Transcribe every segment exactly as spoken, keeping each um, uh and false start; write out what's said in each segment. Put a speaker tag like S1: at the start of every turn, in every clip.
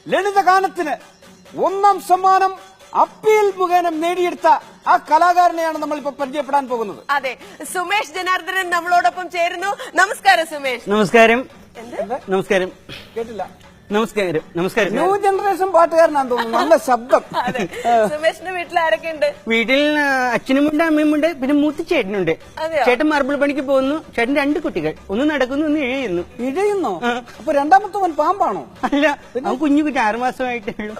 S1: ലളിതഗാനത്തിന് ഒന്നാം സമ്മാനം അപ്പീൽ മുഖേന നേടിയെടുത്ത ആ കലാകാരനെയാണ് നമ്മൾ ഇപ്പൊ പരിചയപ്പെടാൻ പോകുന്നത്.
S2: അതെ, സുമേഷ് ജനാർദ്ദനൻ നമ്മളോടൊപ്പം ചേരുന്നു. നമസ്കാരം സുമേഷ്.
S3: നമസ്കാരം.
S2: എന്ത്?
S3: നമസ്കാരം.
S1: കേട്ടില്ല.
S3: നമസ്കാരം. നമസ്കാരം.
S1: ന്യൂ ജനറേഷൻ പാട്ടുകാരനാന്ന് തോന്നുന്നു. നല്ല ശബ്ദം.
S2: സുമേഷിന്റെ വീട്ടിൽ ആരൊക്കെ ഉണ്ട്?
S3: വീട്ടിൽ അച്ഛനുമുണ്ട്, അമ്മയുമുണ്ട്, പിന്നെ മൂത്ത ചേട്ടനുണ്ട്. ചേട്ടൻ മാർബിൾ പണിക്ക് പോകുന്നു. ചേട്ടൻ രണ്ട് കുട്ടികൾ, ഒന്ന് നടക്കുന്നു, ഒന്ന് ഇഴയുന്നു.
S1: ഇഴയുന്നോ? അപ്പൊ രണ്ടാമത്തവൻ പാമ്പാണോ?
S3: അല്ല, അവൻ കുഞ്ഞു കുട്ടി ആറു മാസമായിട്ടേ ഉള്ളൂ.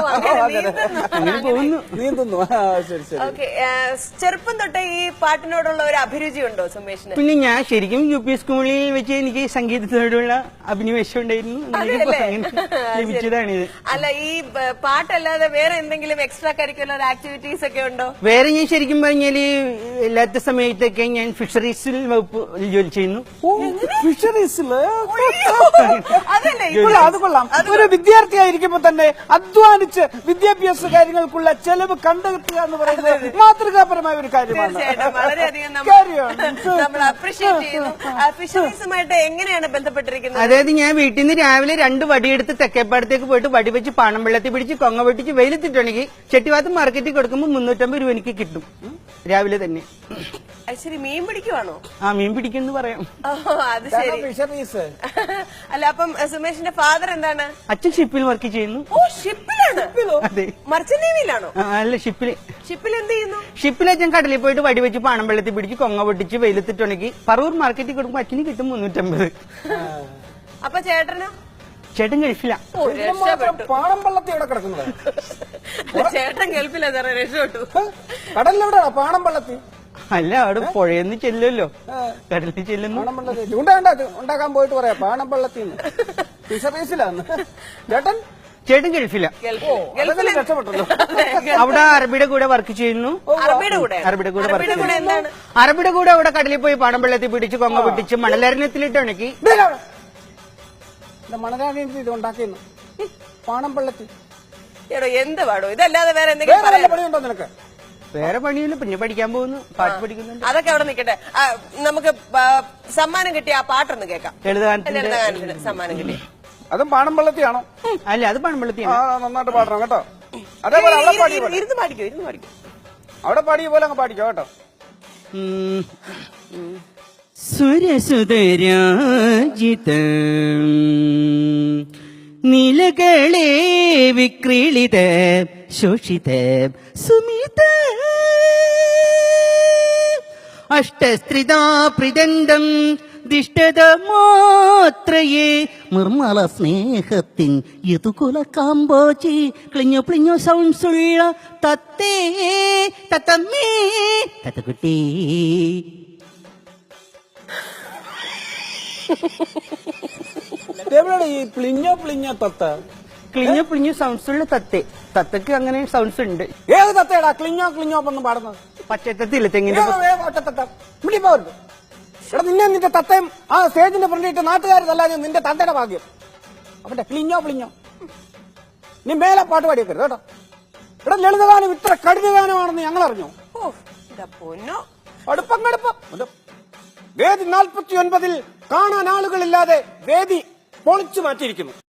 S3: അങ്ങനെ പോകുന്നു.
S1: നീന്തുന്നു. ശരി ശരി.
S2: ഓക്കെ, ചെറുപ്പം തൊട്ടേ ഈ പാട്ടിനോടുള്ള ഒരു അഭിരുചി ഉണ്ടോ സുമേഷിന്?
S3: പിന്നെ ഞാൻ ശരിക്കും യു പി സ്കൂളിൽ വെച്ച് എനിക്ക് സംഗീതത്തോടുള്ള അഭിനിവേശം ഉണ്ടായിരുന്നു. ലഭിച്ചതാണിത്.
S2: അല്ല, ഈ പാട്ടല്ലാതെ വേറെ എന്തെങ്കിലും എക്സ്ട്രാ കരിക്കുലർ ആക്ടിവിറ്റീസ് ഒക്കെ ഉണ്ടോ?
S3: വേറെ ഞാൻ ശരിക്കും പറഞ്ഞാല് എല്ലാത്ത സമയത്തൊക്കെ ഞാൻ ഫിഷറീസിൽ വകുപ്പ് ജോലി ചെയ്യുന്നു.
S1: ഫിഷറീസില്?
S2: അതല്ലേ,
S1: അത് കൊള്ളാം. ഒരു വിദ്യാർത്ഥിയായിരിക്കുമ്പോ തന്നെ അധ്വാനിച്ച് വിദ്യാഭ്യാസ കാര്യങ്ങൾക്കുള്ള ചെലവ് കണ്ടെത്തുക എന്ന് പറയുന്നത് മാതൃകാപരമായ ഒരു കാര്യമാണ്.
S2: തീർച്ചയായിട്ടും വളരെയധികം നമ്മൾ അപ്രീഷിയേറ്റ് ചെയ്യുന്നു. ഫിഷറീസുമായിട്ട് എങ്ങനെയാണ് ബന്ധപ്പെട്ടിരിക്കുന്നത്?
S3: അതായത് ഞാൻ വീട്ടിൽ നിന്ന് രാവിലെ രണ്ട് വടിയെടുത്ത് തെക്കേപ്പാടത്തേക്ക് പോയിട്ട് വടി വെച്ച് പാണം വെള്ളത്തിൽ പിടിച്ച് കൊങ്ങ വെട്ടിച്ച് വെയിലത്തിട്ടുണ്ടെങ്കിൽ ചെട്ടിവാത്ത് മാർക്കറ്റിൽ കൊടുക്കുമ്പോൾ മുന്നൂറ്റമ്പത് രൂപ എനിക്ക് കിട്ടും രാവിലെ തന്നെ.
S2: ശരി, മീൻ പിടിക്കുവാണോ?
S3: ആ, മീൻ പിടിക്കുന്നു പറയാം.
S2: അത് ശരി.
S1: ഫിഷറീസ്
S2: അല്ല, അപ്പം സുമേഷിന്റെ ഫാദർ എന്താണ്?
S3: അച്ഛൻ ഷിപ്പിൽ വർക്ക് ചെയ്യുന്നു.
S2: ഓ, ഷിപ്പിലാണ്?
S3: അതെ.
S2: മർച്ചന്റ് നേവിയിലാണോ?
S3: അല്ല, ഷിപ്പില്.
S2: ഷിപ്പിൽ എന്ത് ചെയ്യുന്നു?
S3: ഷിപ്പിൽ അച്ഛൻ കടലിൽ പോയിട്ട് വടി വെച്ച് പാണം വെള്ളത്തിൽ പിടിച്ച് കൊങ്ങ പൊട്ടിച്ച് വെയിലത്തിട്ടുണ്ടെങ്കിൽ പറവൂർ മാർക്കറ്റിൽ കൊടുക്കുമ്പോൾ അച്ഛന് കിട്ടും മുന്നൂറ്റമ്പത്.
S2: അപ്പൊ ചേട്ടനോ?
S3: ചേട്ടൻ ഗൾഫില.
S1: പാണം വള്ളത്തി എവിടെ കിടക്കുന്നത്?
S2: ചേട്ടൻ ഗൾഫിലാ സാറേ, രക്ഷപ്പെട്ടു.
S1: കടലിലെവിടെയാ പാണം വള്ളത്തി?
S3: അല്ല, അവിടെ പുഴയെന്ന് ചെല്ലുമല്ലോ, കടലിൽ ചെല്ലുന്നു.
S1: പാണം വള്ളത്തി ചൂണ്ടാണ്ട ഉണ്ടാക്കാൻ പോയിട്ട് പറയാ പാണം വള്ളത്തിന്ന്. ഫിഷറീസിലാന്ന് ചേട്ടൻ.
S3: ചേട്ടൻ ഗൾഫില.
S1: രക്ഷപ്പെട്ടല്ലോ.
S3: അവിടെ അറബിയുടെ കൂടെ വർക്ക് ചെയ്യുന്നു.
S2: അറബിയുടെ കൂടെ?
S3: അറബിയുടെ കൂടെ വർക്ക് ചെയ്യുന്നു.
S2: എന്താണ്?
S3: അറബിയുടെ കൂടെ അവിടെ കടലിൽ പോയി പാണം വെള്ളത്തിൽ പിടിച്ച് കൊങ്ങ പൊട്ടിച്ച് മണലരണ്യത്തിലിട്ട് ഉണക്കി
S1: മണരാണി ഇത് ഉണ്ടാക്കുന്നു. പാണം വെള്ളത്തിൽ
S2: എന്ത് പാടോ ഇതല്ലാതെ വേറെ എന്തെങ്കിലും
S1: പണിയുണ്ടോ നിനക്ക്?
S3: വേറെ പണിയില്ല, പിന്നെ പഠിക്കാൻ പോകുന്നു, പാട്ട് പഠിക്കുന്നുണ്ട്.
S2: അതൊക്കെ അവിടെ നിൽക്കട്ടെ. നമുക്ക് സമ്മാനം കിട്ടിയ ആ പാട്ടൊന്ന് കേൾക്കാം.
S3: ലളിതഗാനത്തിന്
S2: സമ്മാനം കിട്ടിയ
S1: അതും പാണം വെള്ളത്തിയാണോ?
S3: അല്ല, അത് പാണം വെള്ളത്തിയാണ്.
S1: നന്നായിട്ട് പാടണം കേട്ടോ. അതേപോലെ അവിടെ പാടി
S2: ഇരുന്ന് പാടിക്കോ, ഇരുന്ന് പാടിക്കോ.
S1: അവിടെ പാടിയ പോലെ അങ്ങ് പാടിക്കോ കേട്ടോ.
S3: സുരസുതരാജിത നീലകളെ വിക്രീളിത ശോഷിത സുമിത അഷ്ടസ്ത്രിതാ പ്രിദണ്ഡം ദിഷ്ടത മാത്രയേ നിർമ്മല സ്നേഹത്തിൻ യതുകുല കാമ്പോചി ക്ലിഞ്ഞോ പ്ലിഞ്ഞോ സൗണ്ട്സുള്ള തത്തേ തത്തമ്മേ തത്തക്കുട്ടി.
S1: ഈ പ്ലിഞ്ഞോ പ്ലിഞ്ഞോ തത്ത?
S3: ക്ലിഞ്ഞോ പ്ലിഞ്ഞോ സൗണ്ട്സ് ഉള്ള തത്തേ. തത്തക്ക് അങ്ങനെ സൗണ്ട്സ് ഉണ്ട്.
S1: ഏത് തത്തയടാ ക്ലിഞ്ഞോ ക്ലിഞ്ഞോ ഒന്നും പാടുന്നത്?
S3: പച്ചത്തത്തില്ല, തെങ്ങിന്റെ
S1: പോരുത്. എടാ, നിന്നെ നിന്റെ തത്തയും ആ സ്റ്റേജിന്റെ ഫ്രണ്ടിട്ട് നാട്ടുകാരല്ല, നിന്റെ തത്തയുടെ ഭാഗ്യം. അവന്റെ ക്ലിഞ്ഞോ പ്ലിഞ്ഞോ. നീ മേലെ പാട്ട് പാടിയേക്കരുത് കേട്ടോ. ഇവിടെ ലളിതഗാനം ഇത്ര കഠിനഗാനമാണെന്ന് ഞങ്ങൾ അറിഞ്ഞു. അടുപ്പം കടുപ്പം. വേദി നാൽപ്പത്തി ഒൻപതിൽ കാണാൻ ആളുകളില്ലാതെ വേദി പൊളിച്ചു മാറ്റിയിരിക്കുന്നു.